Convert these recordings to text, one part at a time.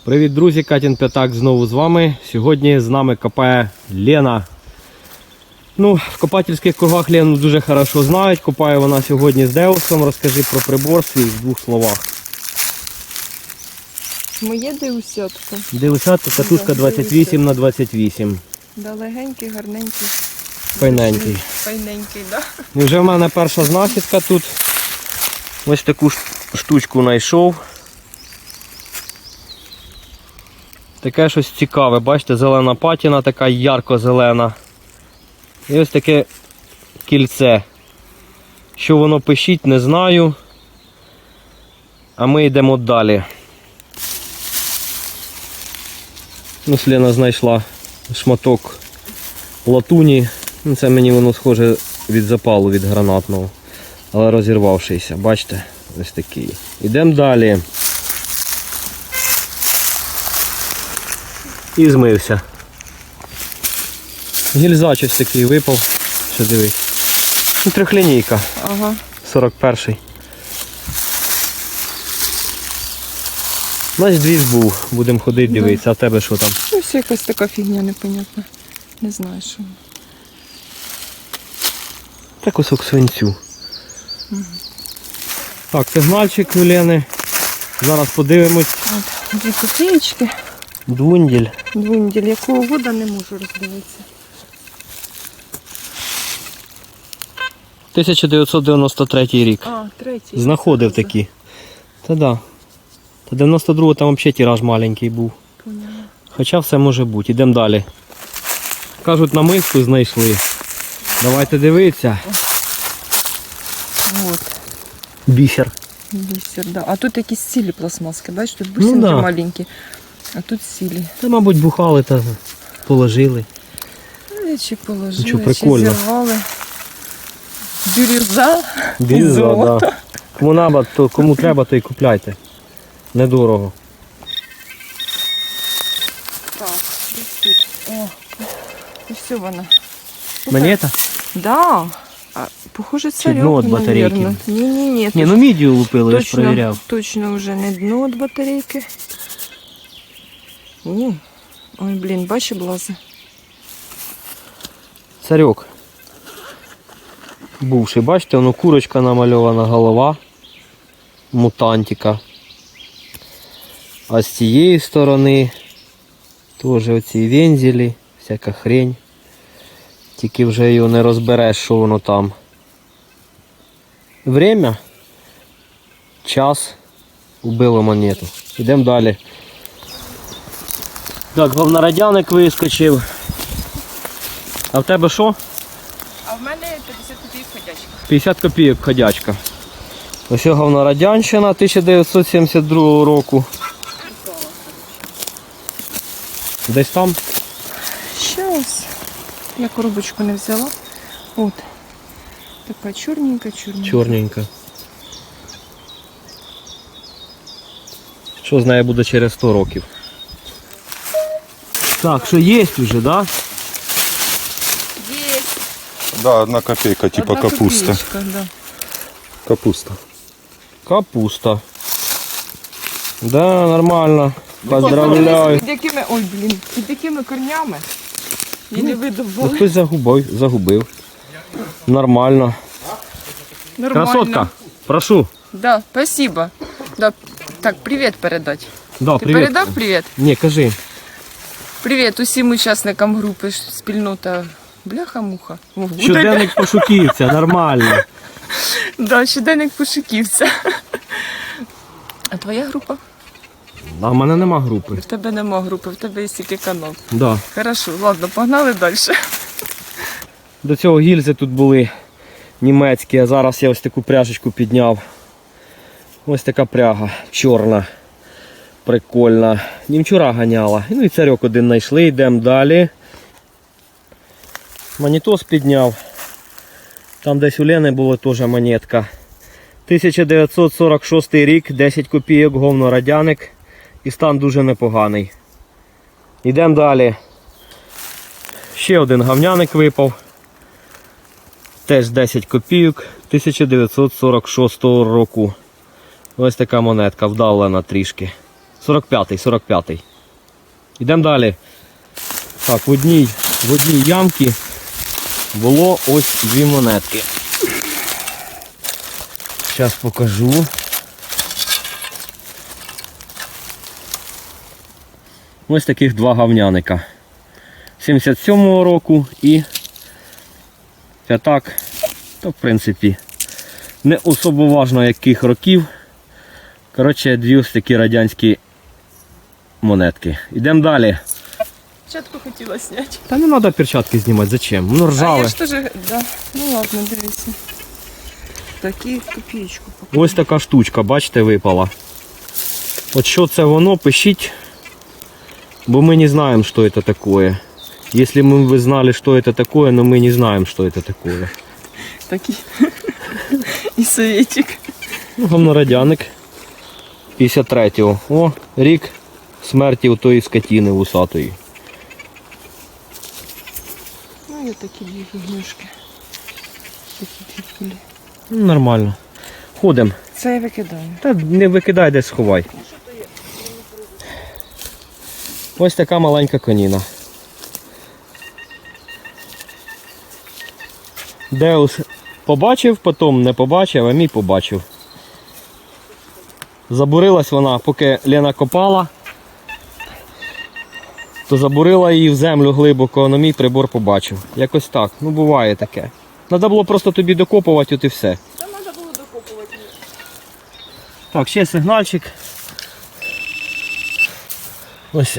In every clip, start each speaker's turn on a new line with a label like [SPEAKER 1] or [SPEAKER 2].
[SPEAKER 1] Привіт, друзі! Катін П'ятак знову з вами. Сьогодні з нами копає Лена. Ну, в копательських кругах Лену дуже хорошо знають. Копає вона сьогодні з Деусом. Розкажи про прибор свій в двох словах.
[SPEAKER 2] Моє деусятка.
[SPEAKER 1] Деусятка, катушка 28 на 28.
[SPEAKER 2] Да, легенький, гарненький.
[SPEAKER 1] Файненький.
[SPEAKER 2] Файненький, да.
[SPEAKER 1] І вже в мене перша знахідка тут. Ось таку штучку знайшов. Таке щось цікаве, бачите, зелена патіна, така ярко-зелена. І ось таке кільце. Що воно пишіть, не знаю. А ми йдемо далі. Ось Лена знайшла шматок латуні. Це мені воно схоже від запалу, від гранатного. Але розірвавшийся, бачите, ось такий. Йдемо далі. І змився. Гільзач ось такий випав. Що дивись. Ну, трьохлінійка.
[SPEAKER 2] Ага.
[SPEAKER 1] 41-й. Значить, двіж був. Будемо ходити, дивитися. А в тебе що там?
[SPEAKER 2] Ось якась така фігня непонятна. Не знаю, що.
[SPEAKER 1] Та кусок свинцю. Так, сигнальчик у Лени. Зараз подивимось.
[SPEAKER 2] От, 2 копієчки.
[SPEAKER 1] Двунділь.
[SPEAKER 2] Двунділь. Якого года не можу роздивитися.
[SPEAKER 1] 1993 рік.
[SPEAKER 2] А, третій.
[SPEAKER 1] Знаходив такі. Та да. Та 92-го там взагалі тираж маленький був.
[SPEAKER 2] Поняла.
[SPEAKER 1] Хоча все може бути. Йдемо далі. Кажуть, намиску знайшли. Давайте дивитися.
[SPEAKER 2] От.
[SPEAKER 1] Бісер.
[SPEAKER 2] Бісер, да. А тут якісь сілі пластмаски, бачиш, тут бусинки
[SPEAKER 1] да.
[SPEAKER 2] маленькі. А тут сілі.
[SPEAKER 1] Та, мабуть, бухали та положили.
[SPEAKER 2] Чи положили,
[SPEAKER 1] Нічого, прикольно.
[SPEAKER 2] чи зірвали. Бірюза і
[SPEAKER 1] Бірюза,
[SPEAKER 2] золото.
[SPEAKER 1] да. Кому треба, то і купляйте. Недорого.
[SPEAKER 2] Так, десь тут. О, ось вона.
[SPEAKER 1] Монета?
[SPEAKER 2] Да. А, похоже, це
[SPEAKER 1] Чи дно від батарейки?
[SPEAKER 2] Ні.
[SPEAKER 1] Ні, ну мідію лупили, я ж перевіряв.
[SPEAKER 2] Точно вже не дно від батарейки. Ні. Ой, блін, бачиш, облази.
[SPEAKER 1] Царьок. Бувший, бачите, воно курочка намальована, голова мутантика. А з цієї сторони теж оці вензелі, всяка хрень. Тільки вже його не розбереш, що воно там. Время, час, убило монету. Йдемо далі. Так, говнорадяник вискочив. А в тебе що?
[SPEAKER 2] А в мене 50 копійок ходячка.
[SPEAKER 1] 50 копійок ходячка. Ось говнорадянщина 1972 року. Десь там?
[SPEAKER 2] Щас. Я коробочку не взяла. От. Така чорненька.
[SPEAKER 1] Чорненька. Що з нею буде через 100 років? Так, що є вже, да?
[SPEAKER 2] Є.
[SPEAKER 3] Да, 1 копейка, типа
[SPEAKER 2] Одна
[SPEAKER 3] капуста.
[SPEAKER 2] копеечка, да.
[SPEAKER 3] Капуста.
[SPEAKER 1] Капуста. Да, нормально. Поздравляю.
[SPEAKER 2] Під якими, ой, блін, під якими корнями? Я не
[SPEAKER 1] Ну,
[SPEAKER 2] видовбала.
[SPEAKER 1] хтось загубив. Нормально.
[SPEAKER 2] Нормально.
[SPEAKER 1] Красотка, прошу.
[SPEAKER 2] Да, спасибо. Да. Так, привіт передать.
[SPEAKER 1] Да,
[SPEAKER 2] Ти
[SPEAKER 1] привіт.
[SPEAKER 2] передав привіт?
[SPEAKER 1] Ні, кажи.
[SPEAKER 2] Привіт усім учасникам групи спільнота Бляха-муха.
[SPEAKER 1] Щоденник пошуківця, нормально.
[SPEAKER 2] Да, щоденник пошуківця. А твоя група?
[SPEAKER 1] А в мене нема групи.
[SPEAKER 2] В тебе нема групи, в тебе є тільки канал.
[SPEAKER 1] Да.
[SPEAKER 2] Хорошо, ладно, погнали далі.
[SPEAKER 1] До цього гільзи тут були німецькі, а зараз я ось таку пряжечку підняв. Ось така пряга, чорна, прикольна. Німчура ганяла. Ну і царьок один знайшли, йдемо далі. Монітос підняв. Там десь у Лени була теж монетка. 1946 рік, 10 копійок, говнорадяник. І стан дуже непоганий. Йдемо далі. Ще один говняник випав. Теж 10 копійок 1946 року. Ось така монетка, вдавлена трішки. 45-й. Йдемо далі. Так, в одній ямці було ось дві монетки. Зараз покажу. Ось таких два гавняника. 77-го року і п'ятак, то в принципі не особо важно яких років. Коротше, дві ось такі радянські монетки. Йдемо далі.
[SPEAKER 2] Перчатку хотіла зняти.
[SPEAKER 1] Та не треба перчатки знімати, зачем? Воно
[SPEAKER 2] А
[SPEAKER 1] ржаве.
[SPEAKER 2] я ж теж, да. Ну ладно, дивіться. Такі копійку покажу.
[SPEAKER 1] Ось така штучка, бачите, випала. От що це воно, пишіть, бо ми не знаємо, що це таке. Если мы бы знали, что это такое, но мы не знаем, что это такое.
[SPEAKER 2] Такі. І советик.
[SPEAKER 1] Ну, говнорадяник 53-го. О, рік смерті у тої скотини вусатої.
[SPEAKER 2] Ну, є такі дві фігнюшки. Такі дві кулі.
[SPEAKER 1] Ну, нормально. Ходимо.
[SPEAKER 2] Це я викидаю.
[SPEAKER 1] Та не викидай, десь сховай. Ось така маленька коніна. Деус побачив, потім не побачив, а мій побачив. Забурилась вона, поки Лена копала, то забурила її в землю глибоко, а мій прибор побачив. Якось так. Ну буває таке. Треба було просто тобі докопувати, от і все.
[SPEAKER 2] Там треба було докопувати.
[SPEAKER 1] Так, ще сигнальчик. Ось.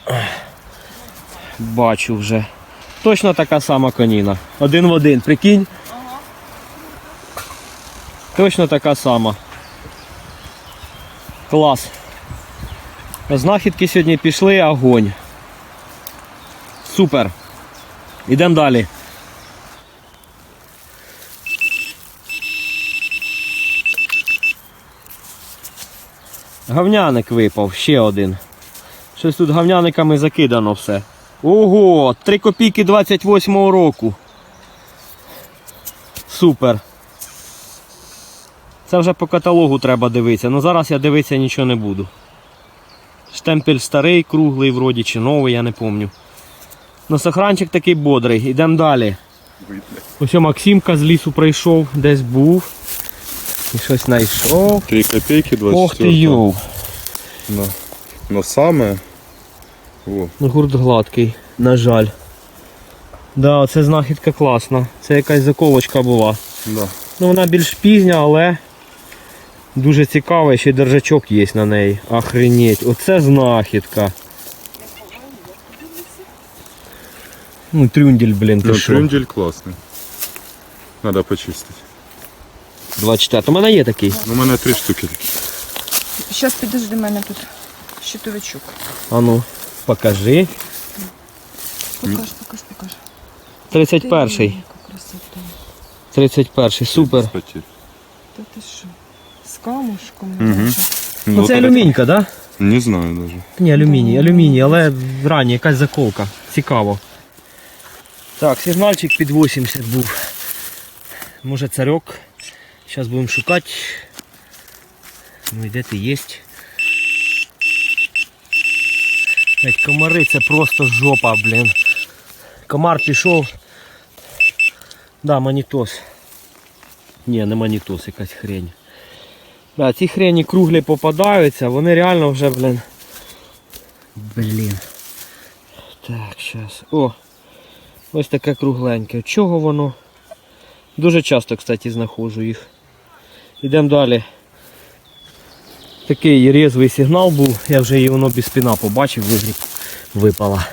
[SPEAKER 1] Бачу вже. Точно така сама коніна. Один в один, прикинь.
[SPEAKER 2] Ага.
[SPEAKER 1] Точно така сама. Клас. Знахідки сьогодні пішли, огонь. Супер. Ідемо далі. Гавняник випав, ще один. Щось тут гавняниками закидано все. Ого, 3 копійки 28-го року. Супер. Це вже по каталогу треба дивитися, але зараз я дивитися нічого не буду. Штемпель старий, круглий вроді, чи новий, я не пам'ятаю. Ну, сохранчик такий бодрий. Ідемо далі. Ось Максимка з лісу прийшов, десь був. І щось знайшов.
[SPEAKER 3] 3 копейки 24.
[SPEAKER 1] Ох ти йоу.
[SPEAKER 3] Да. Но саме... О,
[SPEAKER 1] Гурт гладкий, на жаль. Да, це знахідка класна. Це якась заковочка була.
[SPEAKER 3] да.
[SPEAKER 1] Ну, вона більш пізня, але дуже цікава, ще й держачок є на неї. Охренеть, оце знахідка. Ну, трюндель, блін, ти
[SPEAKER 3] Ну,
[SPEAKER 1] що?
[SPEAKER 3] трюндель класний. Надо почистити.
[SPEAKER 1] 24. У мене є такий.
[SPEAKER 3] У мене 3 штуки такі.
[SPEAKER 2] Зараз підожди, мене тут щитовичок.
[SPEAKER 1] А ну, покажи.
[SPEAKER 2] Покаж.
[SPEAKER 1] 31-й.
[SPEAKER 2] Яка красота.
[SPEAKER 1] 31-й, супер.
[SPEAKER 3] Спотів.
[SPEAKER 2] Та ти що? З камушком.
[SPEAKER 3] Угу.
[SPEAKER 1] Ну, це алюмінька, так? Да?
[SPEAKER 3] Не знаю даже.
[SPEAKER 1] Ні, алюміній, але ранні, якась заколка. Цікаво. Так, сигнальчик під 80 був. Може царьок. Зараз будемо шукати. Ну, де ти є? Блять, комари, це просто жопа, блін. Комар пішов. Да, манітос. Ні, не манітос, якась хрень. Да, ці хрені круглі попадаються, вони реально вже, блін. Так, зараз. О! Ось таке кругленьке. Чого воно? Дуже часто, кстати, знаходжу їх. Йдемо далі. Такий різвий сигнал був, я вже її воно без спіна побачив, випала.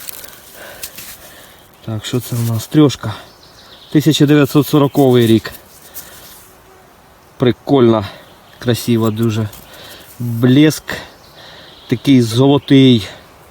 [SPEAKER 1] Так, що це у нас? Трьошка. 1940 рік. Прикольно, красиво дуже. Блеск такий золотий.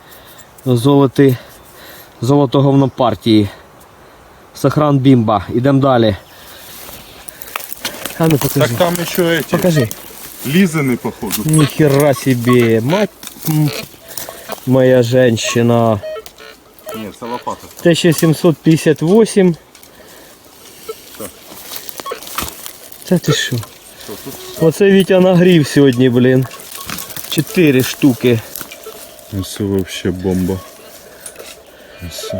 [SPEAKER 1] Золото говно партії. Сохран бімба. Ідемо далі. А ну покажи.
[SPEAKER 3] Так там еще эти.
[SPEAKER 1] Покажи.
[SPEAKER 3] Лизаны, походу.
[SPEAKER 1] Нихера себе. Мать моя женщина.
[SPEAKER 3] Нет, это лопата.
[SPEAKER 1] 1758.
[SPEAKER 3] Так.
[SPEAKER 1] Це ти що?
[SPEAKER 3] Что тут?
[SPEAKER 1] Оце Вітя нагрів сьогодні, блін. 4 штуки.
[SPEAKER 3] Це вообще бомба. Ось.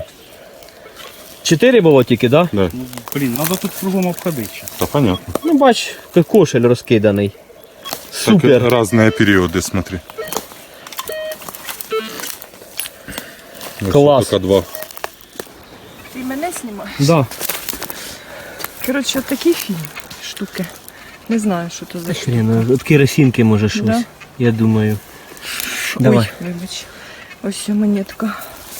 [SPEAKER 1] 4 було тільки, так? Да?
[SPEAKER 3] Да.
[SPEAKER 4] Блін, треба тут кругом обходити.
[SPEAKER 3] Та понятно.
[SPEAKER 1] Ну бач, кошель розкиданий. Супер.
[SPEAKER 3] Так, разные периоды, смотри. Ось
[SPEAKER 1] Клас.
[SPEAKER 3] Только 2.
[SPEAKER 2] Ти мене знімаєш?
[SPEAKER 1] Да.
[SPEAKER 2] Коротше, такі штуки. Не знаю, що то за штуки.
[SPEAKER 1] Хрен, от керосинки може щось,
[SPEAKER 2] Да.
[SPEAKER 1] я думаю. Давай.
[SPEAKER 2] Ой, вибач. Ось монетка.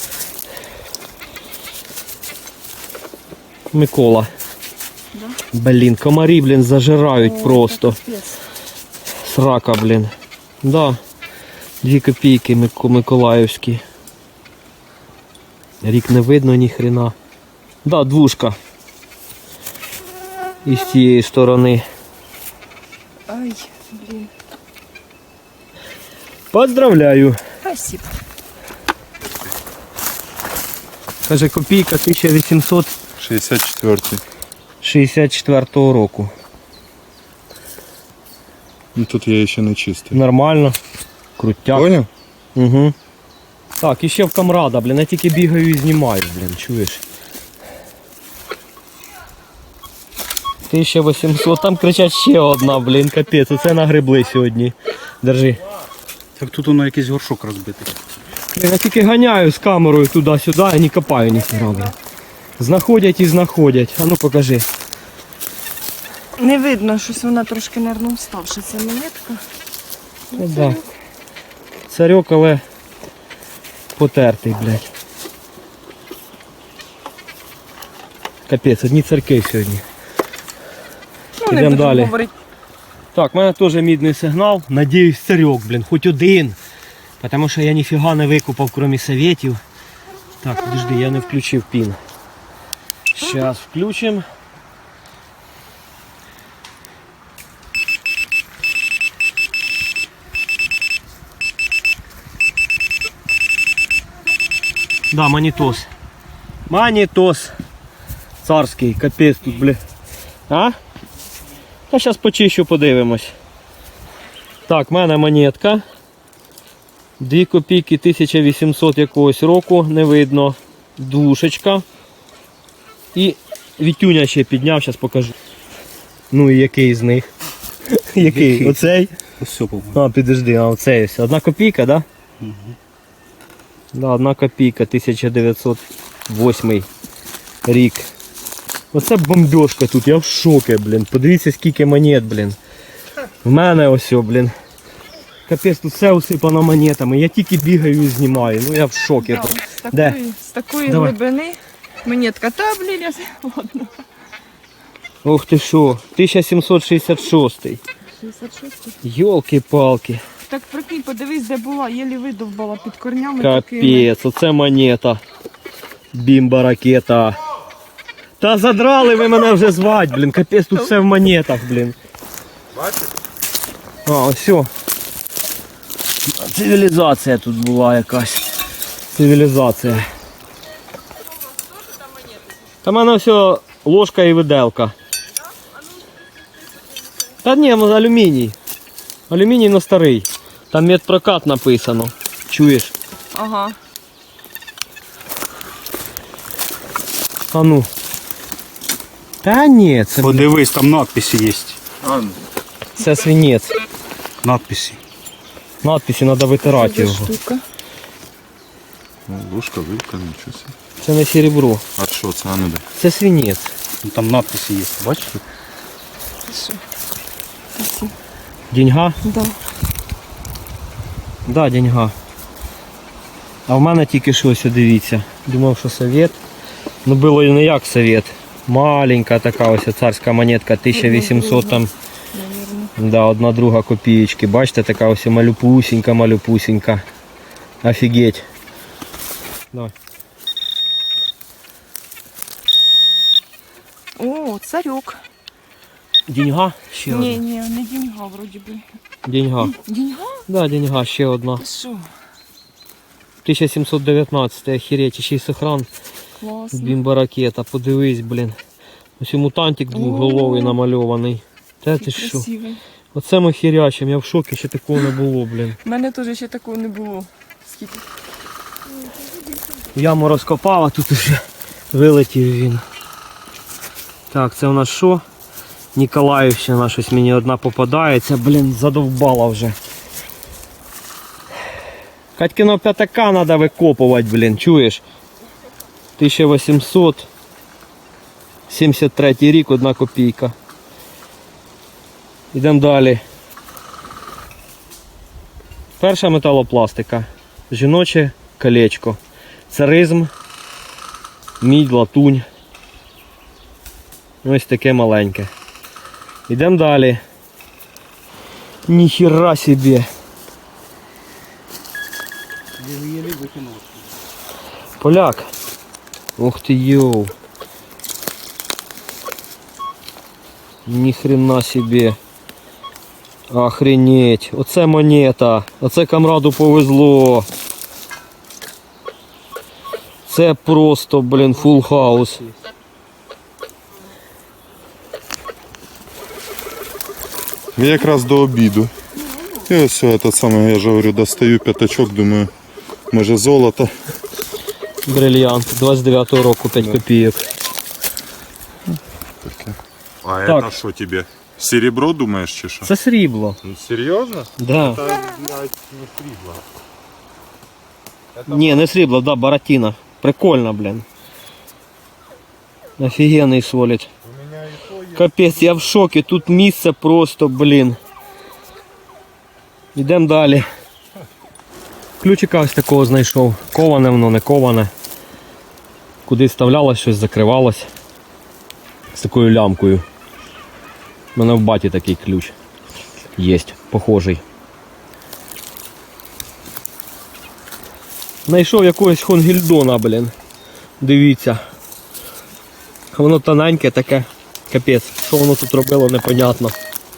[SPEAKER 1] Микола.
[SPEAKER 2] Да?
[SPEAKER 1] Блін, комарі, блін, зажирають просто.
[SPEAKER 2] Капець.
[SPEAKER 1] Срака, блін. Да. 2 копійки миколаївські. Рік не видно ні хрена. Да, 2. І з цієї сторони.
[SPEAKER 2] Ай, блін.
[SPEAKER 1] Поздравляю.
[SPEAKER 2] Спасибо.
[SPEAKER 1] Каже, копійка 1864
[SPEAKER 3] 64.
[SPEAKER 1] року.
[SPEAKER 3] Ну тут я ще не чистий.
[SPEAKER 1] Нормально. Крутяк.
[SPEAKER 3] Понял?
[SPEAKER 1] Угу. Так, і ще в камрада, блін, я тільки бігаю і знімаю, блін, чуєш? 1800, там кричать ще одна, блін, капець, оце нагребли сьогодні. Держи.
[SPEAKER 4] Так тут воно якийсь горшок розбитий.
[SPEAKER 1] Блін, я тільки ганяю з камерою туди-сюди і не копаю ніхіра, блін. Знаходять і знаходять. А ну покажи.
[SPEAKER 2] Не видно, щось вона трошки, нервно вставши. Це монетка.
[SPEAKER 1] Ну, да. Царьок, але потертий, блядь. Капець, одні царки сьогодні.
[SPEAKER 2] Ну,
[SPEAKER 1] Ідем
[SPEAKER 2] не буду
[SPEAKER 1] далі.
[SPEAKER 2] говорити.
[SPEAKER 1] Так, в мене теж мідний сигнал. Надіюсь, царьок, блін, хоч один. Тому що я ніфіга не викупав, крім советів. Так, подожди, я не включив пін. Зараз включимо. Да, манітос. Манітос. Царський, капець тут, бля. А? Та зараз почищу, подивимось. Так, в мене монетка. 2 копійки 1800 якогось року, не видно. 2. І Вітюня ще підняв, зараз покажу. Ну і який з них? Який? Оцей?
[SPEAKER 4] Ось все, по-моєму.
[SPEAKER 1] А, підожди, а оцей ось. 1 копійка, да?
[SPEAKER 4] Угу.
[SPEAKER 1] Да, 1 копійка, 1908 рік. Оце бомбежка тут, я в шокі, блін. Подивіться, скільки монет, блін. В мене ось, блін. Капець, тут все усипано монетами. Я тільки бігаю і знімаю. Ну я в шокі.
[SPEAKER 2] Да,
[SPEAKER 1] Де?
[SPEAKER 2] з такої
[SPEAKER 1] Давай.
[SPEAKER 2] глибини монетка. Та, блін, я... Ладно.
[SPEAKER 1] Ох ти що, 1766.
[SPEAKER 2] 66.
[SPEAKER 1] Йолки-палки.
[SPEAKER 2] Так прикинь, подивись, де була, єлі видовбала під корнями такими.
[SPEAKER 1] Капець, оце монета. Бімба-ракета. Та задрали ви мене вже звать, блін. Капець, тут все в монетах, блін.
[SPEAKER 3] Бачиш?
[SPEAKER 1] А, ось все. Цивілізація тут була якась. Цивілізація. Та в мене все ложка і виделка. Та ні, ну, алюміній. Алюміній на старий. Там медпрокат написано. Чуєш?
[SPEAKER 2] Ага.
[SPEAKER 1] А ну. Та ні, це,
[SPEAKER 4] Подивись, там надписи є.
[SPEAKER 1] це свинець.
[SPEAKER 4] Надписи.
[SPEAKER 1] Надписи треба витирати
[SPEAKER 2] Це
[SPEAKER 1] його.
[SPEAKER 2] штука.
[SPEAKER 3] Ложка, вилка, нічого собі.
[SPEAKER 1] Це не серебро.
[SPEAKER 3] А що це? А ну де?
[SPEAKER 1] Це свинець.
[SPEAKER 4] Ну, там надписи є. Бачиш?
[SPEAKER 2] Що? Спасибо.
[SPEAKER 1] Деньга?
[SPEAKER 2] Да.
[SPEAKER 1] Да, деньга. А в мене тільки що, ось, дивіться. Думав, що совет. Ну було і не як совет. Маленька така ось царська монетка, 1800 там.
[SPEAKER 2] Наверно.
[SPEAKER 1] Да, 1/2 копієчки. Бачите, така ось малюпусінька. Офігеть. Давай.
[SPEAKER 2] О, царюк.
[SPEAKER 1] Деньга? Ще
[SPEAKER 2] Ні,
[SPEAKER 1] одна.
[SPEAKER 2] ні, не деньга, вроді би.
[SPEAKER 1] Деньга.
[SPEAKER 2] Деньга?
[SPEAKER 1] Да, деньга, ще одна.
[SPEAKER 2] Ти що?
[SPEAKER 1] 1719, охереть, ще й сохран.
[SPEAKER 2] Класно.
[SPEAKER 1] Бімба-ракета, подивись, блін. Ось і мутантик двоголовий намальований. Та ти що?
[SPEAKER 2] Красивий.
[SPEAKER 1] Оце ми хірячим, я в шокі, ще такого не було, блін.
[SPEAKER 2] У мене теж ще такого не було. Скільки?
[SPEAKER 1] Яму розкопав, а тут уже вилетів він. Так, це у нас що? Ніколаївщина, щось мені одна попадається, блін, задовбала вже. Катькиного п'ятака треба викопувати, блін, чуєш? 1873 рік, 1 копійка. Йдемо далі. Перша металопластика. Жіноче колечко. Царизм, мідь, латунь. Ось таке маленьке. Йдемо далі. Ніхіра собі. Поляк. Ух ти, йоу. Ніхрена собі. Охренеть. Оце монета. Оце камраду повезло. Це просто, блін, фулл хаус.
[SPEAKER 3] Я якраз до обіду. І ось це саме, я ж говорю, достаю п'ятачок, думаю, може золото.
[SPEAKER 1] Брильянт. 29-го року 5 копійок.
[SPEAKER 3] А
[SPEAKER 1] Так.
[SPEAKER 3] це що тебе? Серебро, думаєш, чи що?
[SPEAKER 1] Це срібло.
[SPEAKER 3] Серйозно?
[SPEAKER 1] Да.
[SPEAKER 3] Це, блядь, не срібло.
[SPEAKER 1] Ні, не срібло, да, баратіна. Прикольно, блін. Офігенний солід. Капець, я в шокі. Тут місце просто, блін. Йдемо далі. Ключика ось такого знайшов. Коване воно, не коване. Куди вставлялось, щось закривалось. З такою лямкою. У мене в баті такий ключ. Єсть, похожий. Знайшов якогось Хонгільдона, блін. Дивіться. Воно тоненьке таке. Капець. Що воно тут робило, непонятно.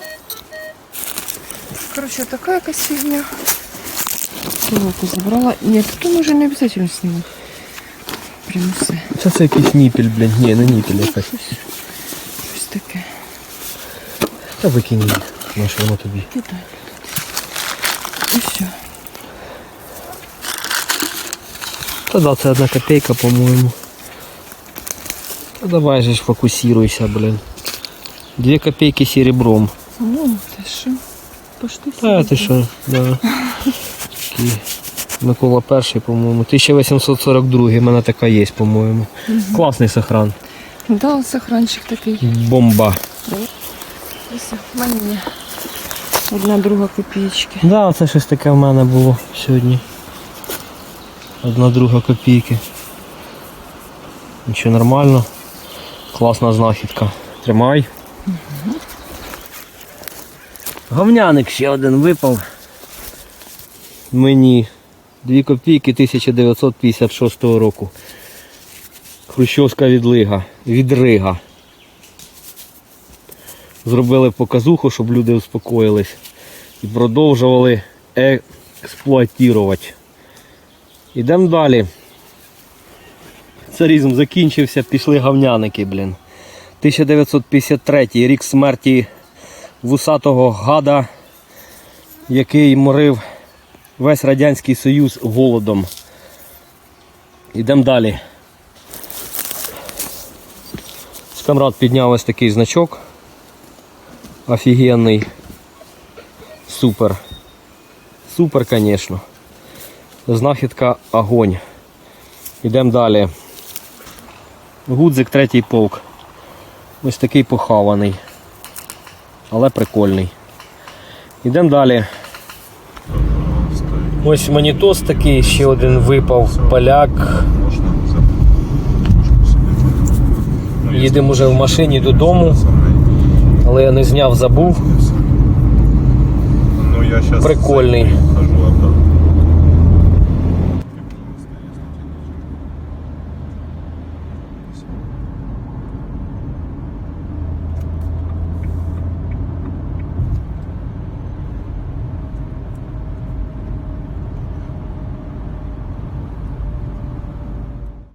[SPEAKER 2] Коротше, така якась фігня. Толоку забрала. Ні, тут може не обов'язково знімати. Прямо все.
[SPEAKER 1] Це якийсь ніпіль, блін. Ні, не ніпіль якась.
[SPEAKER 2] Щось таке.
[SPEAKER 1] Та викинь її. Наше воно тобі.
[SPEAKER 2] Кидай. І все.
[SPEAKER 1] Та да, це 1 копійка, по-моєму. Та давай же ж фокусируйся, блін. 2 копійки серебром.
[SPEAKER 2] Ну, ти що? Пошти
[SPEAKER 1] Та ти що, да. Такий Микола перший, по-моєму. 1842, в мене така є, по-моєму. Класний сохран.
[SPEAKER 2] Да, сохранчик такий.
[SPEAKER 1] Бомба.
[SPEAKER 2] Ось, в мене є 1/2 копійки.
[SPEAKER 1] Да, це щось таке в мене було сьогодні. 1/2 копійки. Нічого, нормально. Класна знахідка. Тримай. Говняник ще один випав. Мені 2 копійки 1956 року. Хрущовська відрига. Зробили показуху, щоб люди успокоїлись. І продовжували експлуатувати. Ідемо далі. Царизм закінчився, пішли говняники, блін. 1953 рік смерті вусатого гада, який морив весь Радянський Союз голодом. Ідемо далі. Камрад підняв ось такий значок. Офігенний. Супер. Супер, звісно. Знахідка огонь. Ідемо далі. Гудзик 3-й полк. Ось такий похаваний. Але прикольний. Ідемо далі. Ось монітос такий, ще один випав. Поляк. Їдемо вже в машині додому. Але я не зняв, забув. Прикольний.